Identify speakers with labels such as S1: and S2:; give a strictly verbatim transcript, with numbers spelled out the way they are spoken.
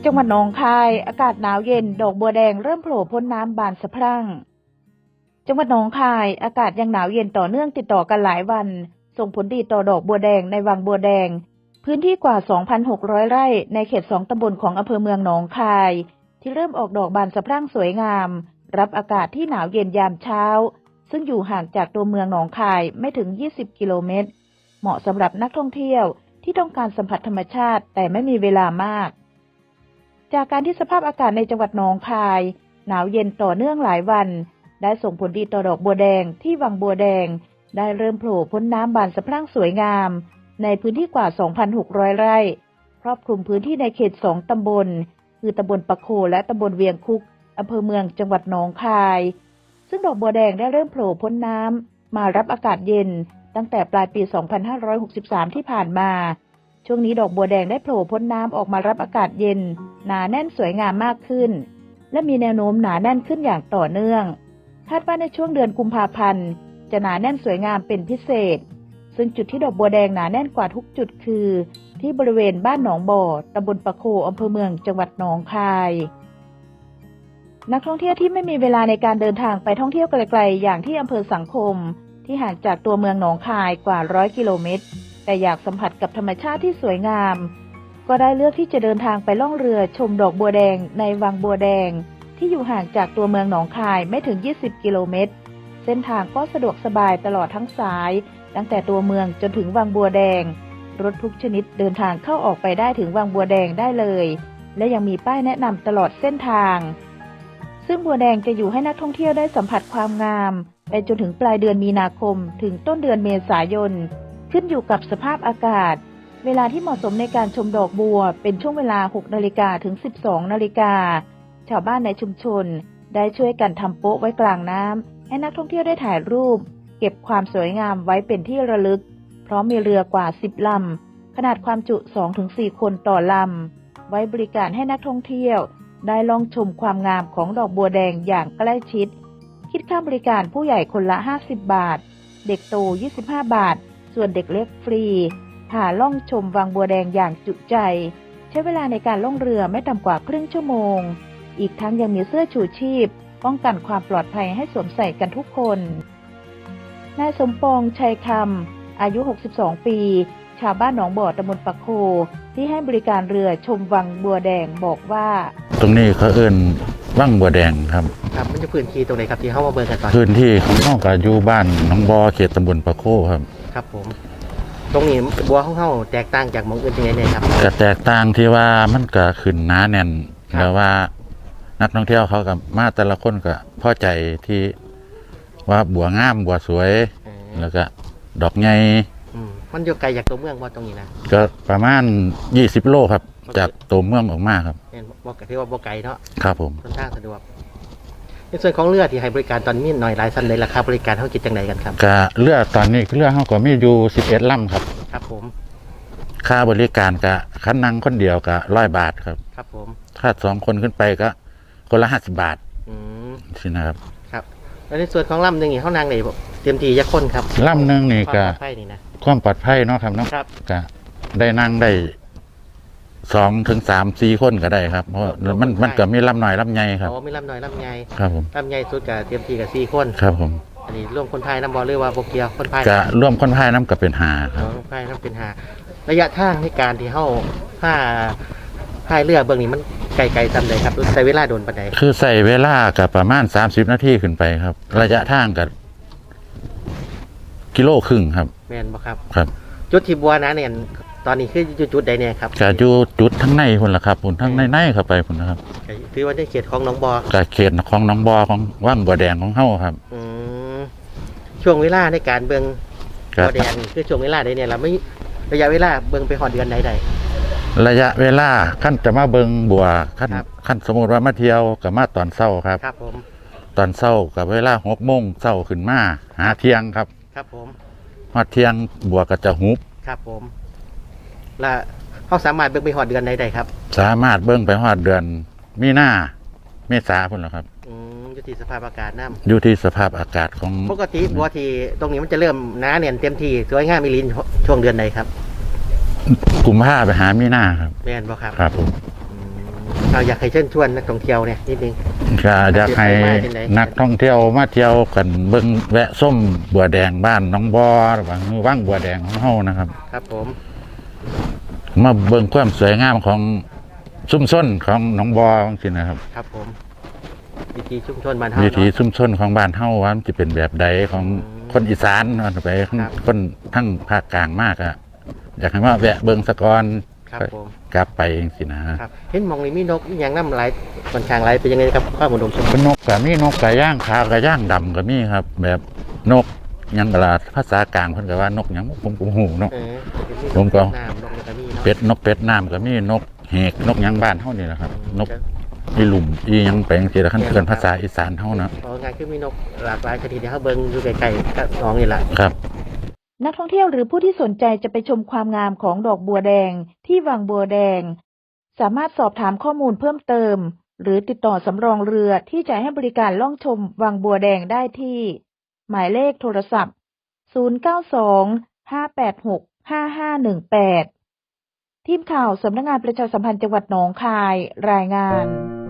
S1: จังหวัดหนองคายอากาศหนาวเย็นดอกบัวแดงเริ่มโผล่พ้นน้ำบานสะพรั่งจังหวัดหนองคายอากาศยังหนาวเย็นต่อเนื่องติดต่อกันหลายวันส่งผลดีต่อดอกบัวแดงในวังบัวแดงพื้นที่กว่า สองพันหกร้อย ไร่ในเขตสองตำบลของอำเภอเมืองหนองคายที่เริ่มออกดอกบานสะพรั่งสวยงามรับอากาศที่หนาวเย็นยามเช้าซึ่งอยู่ห่างจากตัวเมืองหนองคายไม่ถึงยี่สิบกิโลเมตรเหมาะสำหรับนักท่องเที่ยวที่ต้องการสัมผัสธรรมชาติแต่ไม่มีเวลามากจากการที่สภาพอากาศในจังหวัดหนองคายหนาวเย็นต่อเนื่องหลายวันได้ส่งผลดีต่อดอกบัวแดงที่วังบัวแดงได้เริ่มโผล่พ้นน้ำบานสะพรั่งสวยงามในพื้นที่กว่า สองพันหกร้อย ไร่ครอบคลุมพื้นที่ในเขตสองตำบลคือตำบลปะโคและตำบลเวียงคุกอำเภอเมืองจังหวัดหนองคายซึ่งดอกบัวแดงได้เริ่มโผล่พ้นน้ำมารับอากาศเย็นตั้งแต่ปลายปี สองพันห้าร้อยหกสิบสาม ที่ผ่านมาช่วงนี้ดอกบัวแดงได้โผล่พ้นน้ำออกมารับอากาศเย็นหนาแน่นสวยงามมากขึ้นและมีแนวโน้มหนาแน่นขึ้นอย่างต่อเนื่องคาดว่าในช่วงเดือนกุมภาพันธ์จะหนาแน่นสวยงามเป็นพิเศษซึ่งจุดที่ดอกบัวแดงหนาแน่นกว่าทุกจุดคือที่บริเวณบ้านหนองบ่อตำบลปะโคอำเภอเมืองจังหวัดหนองคายนักท่องเที่ยวที่ไม่มีเวลาในการเดินทางไปท่องเที่ยวไกลๆอย่างที่อำเภอสังคมที่ห่างจากตัวเมืองหนองคายกว่าร้อยกิโลเมตรแต่อยากสัมผัสกับธรรมชาติที่สวยงามก็ได้เลือกที่จะเดินทางไปล่องเรือชมดอกบัวแดงในวังบัวแดงที่อยู่ห่างจากตัวเมืองหนองคายไม่ถึงยี่สิบกิโลเมตรเส้นทางก็สะดวกสบายตลอดทั้งสายตั้งแต่ตัวเมืองจนถึงวังบัวแดงรถทุกชนิดเดินทางเข้าออกไปได้ถึงวังบัวแดงได้เลยและยังมีป้ายแนะนำตลอดเส้นทางซึ่งบัวแดงจะอยู่ให้นักท่องเที่ยวได้สัมผัสความงามไปจนถึงปลายเดือนมีนาคมถึงต้นเดือนเมษายนขึ้นอยู่กับสภาพอากาศเวลาที่เหมาะสมในการชมดอกบัวเป็นช่วงเวลา หกนาฬิกา ถึง สิบสองนาฬิกาชาวบ้านในชุมชนได้ช่วยกันทำโป๊ะไว้กลางน้ำให้นักท่องเที่ยวได้ถ่ายรูปเก็บความสวยงามไว้เป็นที่ระลึกเพราะมีเรือกว่าสิบลำขนาดความจุ สองถึงสี่ คนต่อลำไว้บริการให้นักท่องเที่ยวได้ลองชมความงามของดอกบัวแดงอย่างใกล้ชิดคิดค่าบริการผู้ใหญ่คนละห้าสิบบาทเด็กโตยี่สิบห้าบาทส่วนเด็กเล็กฟรีพาล่องชมวังบัวแดงอย่างจุใจใช้เวลาในการล่องเรือไม่ต่ำกว่าครึ่งชั่วโมงอีกทั้งยังมีเสื้อชูชีพป้องกันความปลอดภัยให้สวมใส่กันทุกคนนายสมปองชัยคำอายุหกสิบสองปีชาวบ้านหนองบ่อตำบลปะโคที่ให้บริการเรือชมวังบัวแดงบอกว่า
S2: ตรงนี้เขาเอิ้นวังบัวแดงครับ
S3: ครับมันจะพื้นที่ตรงไหนครับที่เข้ามาเบิ่งกันตอน
S2: พื้นที่ของเฮาก็อยู่บ้านหนองบ่อเขตตำบลปะโคครับ
S3: ครับผมตรงนี้บัวของเฮาแตกต่างจากหม้องอื่นยังไงเนี่ยครับ
S2: ก็แตกต่างที่ว่ามันก็ขึ้นหนาแน่นแล้วว่านักท่องเที่ยวเขาก็มาแต่ละคนก็พอใจที่ว่าบัวงามบัวสวยแล้วก็ดอกใหญ่
S3: มันอยู่ไกลจากตัวเมืองบ่ตรงนี้นะ
S2: ก็ประมาณยี่สิบโลครับจากตัวเมืองออกมาครับ
S3: เห็นบ่ก็ที่ว่าบ่ไกลเนาะ
S2: ครับผม
S3: ค่อนข้างสะดวกในส่วนของเรือที่ให้บริการตอนนี้หน่อยหลายชั้นเลยราคาบริการเฮาคิดจังไดกันครับ
S2: ก็เรือตอนนี้เรือเฮาก็มีอยู่สิบเอ็ดลำครับ
S3: ครับผม
S2: ค่าบริการก็คันนั่งคนเดียวก็ร้อยบาทครับ
S3: ครับผม
S2: ถ้าสองคนขึ้นไปก็คนละห้าสิบบาท
S3: อืม
S2: สินะครับ
S3: ครับแล้วในส่วนของลำนึงนี่เฮานั่งได้เต็มที่จักคนครับ
S2: ลำนึงนี่ก็
S3: ความปลอดภัยนี่นะ
S2: ความปลอดภัยเนาะครับเนาะก็ได้นั่งได้สองถึงสามสี่คนก็ได้ครับเพราะมันมันก็มีลำหน่อยลำใหญ่ครับ
S3: อ๋อมีลำหน่อยลำใหญ่
S2: ครับผม
S3: ลำใหญ่สุดก็เต็มที่ก็สี่คน
S2: ครับผม
S3: อันนี้ร่วมคนพายน้ำบ่หรือว่าบ่เกี่ยวคนพาย
S2: ก็ร่วมคนพายน้ำก็เป็นห้าครับ
S3: คนพายน้ำเป็นห้าระยะทางในการที่เฮาพาพายเรือเบื้องนี้มันไกลๆซำใดครับใช้เวลาโดนปานใด
S2: คือใช้เวลาก็ประมาณสามสิบนาทีขึ้นไปครับระยะทางก็กิโลครึ่งครับ
S3: แม่นบ่ครับ
S2: ครับ
S3: จุดที่บัวนะเนี่ยตอนนี้คืออยู่จุดใดเนี่ยครับ
S2: ก็อยู่จุดทั้งในพุ่นล่ะครับพุ่นทั้งในๆเข้าไปพุ่นนะครับ
S3: คือว่าในเขตของหนองบ่อ
S2: ก็เขตของหนองบ่อของวังบัวแดงของเฮาครับ
S3: อืมช่วงเวลาในการเบิ่งบัวแดงคือช่วงเวลาใดเนี่ยเราไม่ระยะเวลาเบิ่งไปฮอดเดือนใดใด
S2: ระยะเวลาขั้นจะมาเบิ่งบัวขั้นขั้นสมมุติว่ามาเที่ยวก็มาตอนเช้าครับ
S3: ครับผม
S2: ตอนเช้ากับเวลาหกโมงเช้าขึ้นมาหาเที่ยงครับ
S3: ครับผม
S2: ฮอดเที่ยงบัวก็จะหุบ
S3: ครับผมและเขาสามารถเบิ่งไปฮอดเดือนใดได้ครับ
S2: สามารถเบิ่งไปฮอดเดือนมีนาเมษาพุ่นล่ะครับ
S3: อืมอยู่ที่สภาพอากาศน้ำ
S2: อยู่ที่สภาพอากาศของ
S3: ปกติบัวที่ตรงนี้มันจะเริ่มหนาแน่นเต็มที่สวยงามมีลิ้นช่วงเดือนใดครับ
S2: กุมภาไปหามีนาครับ
S3: แม่นบ่ครับ
S2: ครับผม
S3: เอาอยากให้เชิญชวนนักท่องเที่ยวเนี่ยนิดนึง
S2: ก็อยากให้นักท่องเที่ยวมาเที่ยวกันเบิ่งแวะส้มบัวแดงบ้านน้องบอหรือว่าว่างบัวแดงของเฮานะครับ
S3: ครับผม
S2: มาเบิ่งความสวยงามของชุมชนของหนองบอจังซี่นะครับ
S3: ครับผมวิถีชุมชนบ้านเฮา
S2: วิถี
S3: เนาะ
S2: ชุมชนของบ้านเฮาว่ามันจะเป็นแบบใดของคนอีสานเนาะไป
S3: ครับ
S2: คนทั้งภาคกลางมากอะอยากให้มาแวะเบิ่งสะกอน
S3: ครับผม
S2: กลับไปจังซี่นะครับ
S3: เห็นหมองนี่มีนกมีหยังน้ำไหลค่อนข้างไหลเป็นยังไงครับข้าวหมูดมสมบูรณ์
S2: เป็นนกก็มีนกกระย่างขาวกระย่างดำก็มีครับ แบบนกหยังกะลาภาษากลางเพิ่นก็ว่านกหยังผมก็บ่ฮู้เนาะ
S3: เออ
S2: ผมก็
S3: น้ำนกกระมีเนาะ
S2: เป็ดนกเป็ดน้ำก็มีนกเหกนกหยังบ้านเฮานี่แหละครับ นกอีหลุมอีหยังไปจังซี่ล่ะคันเกินภาษาอีสานเฮานะ
S3: เพราะงานคือมีนกหลากหลายชนิดที่เขาเบิ่งอยู่ไกลๆกับน้องนี่แหละ
S2: ครับ
S1: นักท่องเที่ยวหรือผู้ที่สนใจจะไปชมความงามของดอกบัวแดงที่วังบัวแดง สามารถสอบถามข้อมูลเพิ่มเติม หรือติดต่อสำรองเรือที่จะให้บริการล่องชมวังบัวแดงได้ที่ หมายเลขโทรศัพท์ ศูนย์ เก้า สอง ห้า แปด หก ห้า ห้า หนึ่ง แปด ทีมข่าวสำนักงานประชาสัมพันธ์จังหวัดหนองคายรายงาน